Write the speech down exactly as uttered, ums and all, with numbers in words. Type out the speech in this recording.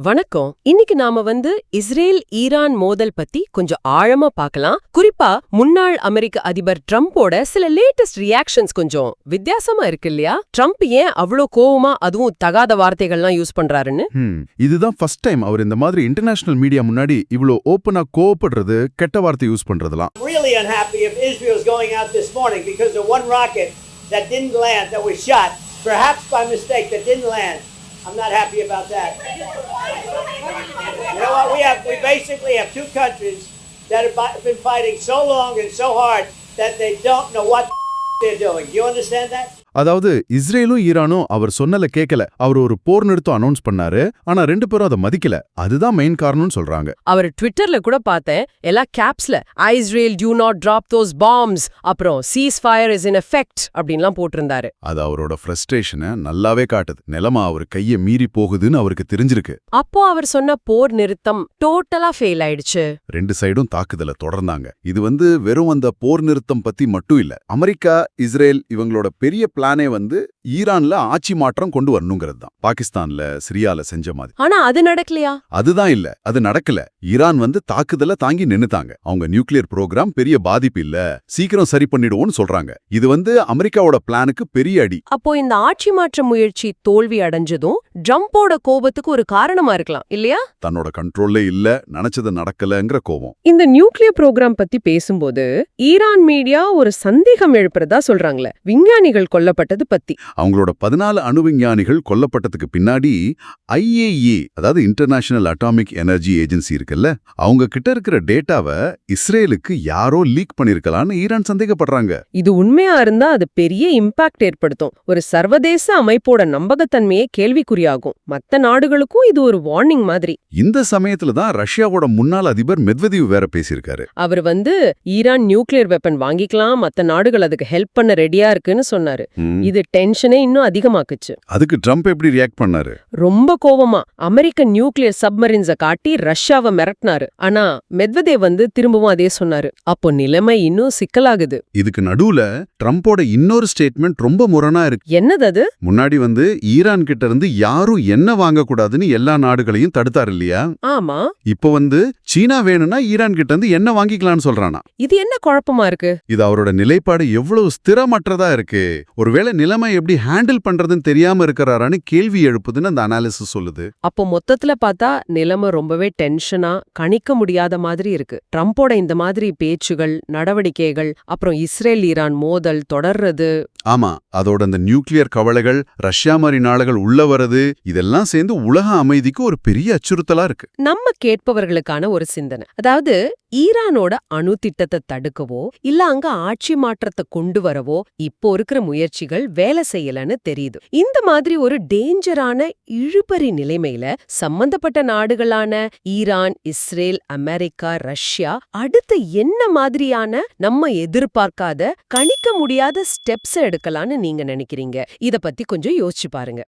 வணக்கம். இன்னைக்கு நாம வந்து இஸ்ரேல் ஈரான் மோதல் பத்தி கொஞ்சம் ஆழமா பார்க்கலாம். குறிப்பா முன்னாள் அமெரிக்க அதிபர் ட்ரம்போட சில லேட்டஸ்ட் ரியாக்ஷன்ஸ் கொஞ்சம் வித்தியாசமா இருக்கு இல்லையா? ட்ரம்ப் ஏன் அவ்வளோ கோவமா அதுவும் தகாத வார்த்தைகள்லாம் யூஸ் பண்றாருன்னு? ஹம், இதுதான் ஃபர்ஸ்ட் டைம் அவர் இந்த மாதிரி இன்டர்நேஷனல் மீடியா முன்னாடி இவ்ளோ ஓப்பனா கோவப்படுறது, கெட்ட வார்த்தை யூஸ் பண்றதெல்லாம். Really unhappy if Israel's going out this morning because of one rocket that didn't land, that was shot, perhaps by mistake, that didn't land. I'm not happy about that. You know what? We have, we basically have two countries that have been fighting so long and so hard that they don't know what they're doing. Do you understand that? அதாவது இஸ்ரேலும் ஈரானும் அவர் சொன்னல கேட்கல. அவர் ஒரு போர் நிறுத்தம் announce பண்ணாரு, ஆனா ரெண்டு பேரும் அதை மதிக்கல. அதுதான் மெயின் காரணம்னு சொல்றாங்க. அவர் ட்விட்டர்ல கூட பார்த்தேன், எல்லா கேப்ஸ்ல Israel do not drop those bombs, அப்புறம் cease fire is in effect அப்படின்லாம் போட்டிருந்தாரு. அது அவரோட ஃப்ரஸ்ட்ரேஷனை நல்லாவே காட்டுது. நிலைமை அவர் கையை மீறி போகுதுன்னு அவருக்கு தெரிஞ்சிருக்கு. அப்போ அவர் சொன்ன போர் நிறுத்தம் டோட்டலா ஃபெயில் ஆயிடுச்சு. ரெண்டு சைடும் தாக்குதல தொடர்ந்தாங்க. இது வந்து வெறும் அந்த போர் நிறுத்தம் பத்தி மட்டும் இல்ல. அமெரிக்கா, இஸ்ரேல் இவங்களோட பெரிய பிளானே வந்து ஈரான்ல ஆட்சி மாற்றம் கொண்டு வரணுங்கிறது தான். பாகிஸ்தான்ல, சிரியால செஞ்ச மாதிரி. ஆனா அது நடக்கலையா? அதுதான் இல்ல, அது நடக்கல. ஈரான் வந்து தாக்குதல தாங்கி நின்னுட்டாங்க. அவங்க நியூக்ளியர் ப்ரோக்ராம் பெரிய பாதிப்பு இல்ல, சீக்கிரம் சரி பண்ணிடுவோம்னு சொல்றாங்க. இது வந்து அமெரிக்காவோட பிளானுக்கு பெரிய அடி. அப்போ இந்த ஆட்சி மாற்ற முயற்சி தோல்வி அடைஞ்சதும் ட்ரம்போட கோபத்துக்கு ஒரு காரணமா இருக்கலாம் இல்லையா? தன்னோட கண்ட்ரோல்ல இல்ல, நினைச்சது நடக்கலங்கிற கோபம். இந்த நியூக்ளியர் ப்ரோக்ராம் பத்தி பேசும்போது ஈரான் மீடியா ஒரு சந்தேகம் எழுப்புறதா சொல்றாங்களே, விஞ்ஞானிகள் கொல்லப்பட்டது பத்தி. அவங்களோட பதினாலு அணு விஞ்ஞானிகள் கொல்லப்பட்டதுக்கு பின்னாடி ஐஏஇஏ, அதாவது இன்டர்நேஷனல் அட்டாமிக் எனர்ஜி ஏஜென்சி இருக்குல்ல, அவங்க கிட்ட இருக்கிற டேட்டாவை இஸ்ரேலுக்கு யாரோ லீக் பண்ணிருக்கலாம்னு ஈரான் சந்தேகப்படுறாங்க. இது உண்மையா இருந்தா அது பெரிய இம்பாக்ட் ஏற்படுத்தும். ஒரு சர்வதேச அமைப்போட நம்பகத்தன்மையே கேள்விக்குறியாகும். மத்த நாடுகளுக்கும் இது ஒரு வார்னிங் மாதிரி. இந்த சமயத்துல தான் ரஷ்யாவோட முன்னாள் அதிபர் மெத்வதேவ் வேற பேசியிருக்காரு. அவர் வந்து ஈரான் நியூக்ளியர் வெப்பன் வாங்கிக்கலாம், மத்த நாடுகள் அதுக்கு ஹெல்ப் பண்ண ரெடியா இருக்குன்னு சொன்னாரு. இது டென்ஷனே இன்னும் அதிகமாக்குச்சு. அதுக்கு ட்ரம்ப் எப்படி ரியாக்ட் பண்ணாரு? ரொம்ப கோவமா அமெரிக்க நியூக்ளியர் சப்மரின்ஸ காட்டி ரஷ்யாவை மிரட்டினாரு. ஆனா மெத்வதேவ் வந்து திரும்பவும் அதே சொன்னாரு. அப்போ நிலைமை இன்னும் சிக்கலாகுது. இதுக்கு நடுவுல ட்ரம்போட இன்னொரு ஸ்டேட்மெண்ட் ரொம்ப முரணா இருக்கு. என்னது அது? முன்னாடி வந்து ஈரான் கிட்ட இருந்து யாரும் என்ன வாங்கக்கூடாதுன்னு எல்லா நாடுகளையும் தடுத்தாரு இல்லையா? ஆமா. இப்போ வந்து சீனா வேணும்னா ஈரான் கிட்ட இருந்து என்ன வாங்கிக்கலாம்னு சொல்றானா. இது என்ன குழப்பமா இருக்கு? இது அவரோட நிலைப்பாடு எவ்வளவு ஸ்திரமற்றதா இருக்கு. ஒருவேளை நிலைமை எப்படி ஹேண்டில் பண்றதுன்னு தெரியாம இருக்கிறாரான்னு கேள்வி எழுப்புதுன்னு அந்த அனாலிசிஸ் சொல்லுது. அப்போ மொத்தத்துல பார்த்தா நிலைமை ரொம்பவே டென்ஷனா, கணிக்க முடியாத மாதிரி இருக்கு. ட்ரம்போட இந்த மாதிரி பேச்சுகள், நடவடிக்கைகள், அப்புறம் இஸ்ரேல் ஈரான் மோதல் தொடர்றது. ஆமா, அதோட அந்த நியூக்ளியர் கவலைகள், ரஷ்யா மாதிரி நாடுகள் உள்ள வரது, இதெல்லாம் சேர்ந்து உலக அமைதிக்கு ஒரு பெரிய அச்சுறுத்தலா இருக்கு. நம்ம கேட்பவர்களுக்கான ஒரு சிந்தனை, அதாவது ஈரானோட அணு திட்டத்தை தடுக்கவோ இல்ல அங்க ஆட்சி மாற்றத்தை கொண்டு வரவோ இப்போ இருக்கிற முயற்சிகள் வேலை செய்யலன்னு தெரியுது. இந்த மாதிரி ஒரு டேஞ்சரான இழுபறி நிலைமையில சம்பந்தப்பட்ட நாடுகளான ஈரான், இஸ்ரேல், அமெரிக்கா, ரஷ்யா அடுத்து என்ன மாதிரியான நம்ம எதிர்பார்க்காத, கணிக்க முடியாத ஸ்டெப்ஸ் எடுக்கலான்னு நீங்க நினைக்கிறீங்க? இத பத்தி கொஞ்சம் யோசிச்சு பாருங்க.